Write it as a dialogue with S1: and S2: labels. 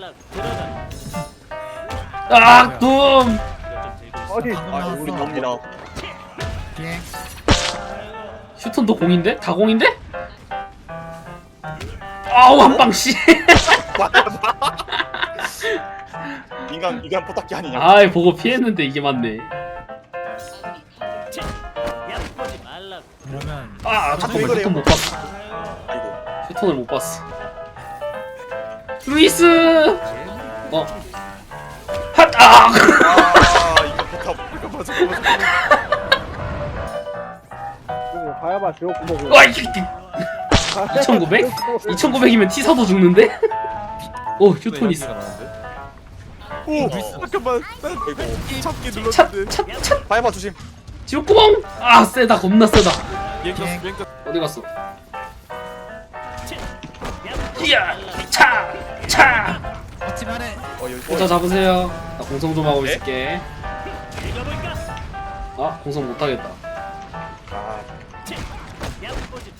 S1: 아, 둠.
S2: 어디?
S3: 아 우리 놉니다.
S4: 비행.
S1: 휴톤도 공인데? 다 공인데? 아우 한방 씨.
S3: 인간 포탁기 아니냐?
S1: 아이 보고 피했는데 이게 맞네.
S4: 그러면
S1: 아 잠깐만 휴톤 못 봤어.
S3: 아이고.
S1: 휴톤을 못 봤어. 루이스. 어. 핫. 아.
S3: 아 이거 포탑 이거 맞아.
S2: 가야바 지옥구멍.
S1: 와 이게 2,900? 2,900이면 티사도 죽는데? 오 휴톤 있어.
S3: 오 잠깐만. 아이고 잡기 눌렀는데.
S1: 찻
S3: 바이바 조심.
S1: 지옥구멍. 아 세다 겁나 세다.
S4: 비행.
S1: 어디 갔어? 이야 차.
S4: 어찌 말해.
S1: 혼자 잡으세요. 나 공성 좀 하고
S3: 네?
S1: 있을게. 아 공성 못하겠다.
S3: 아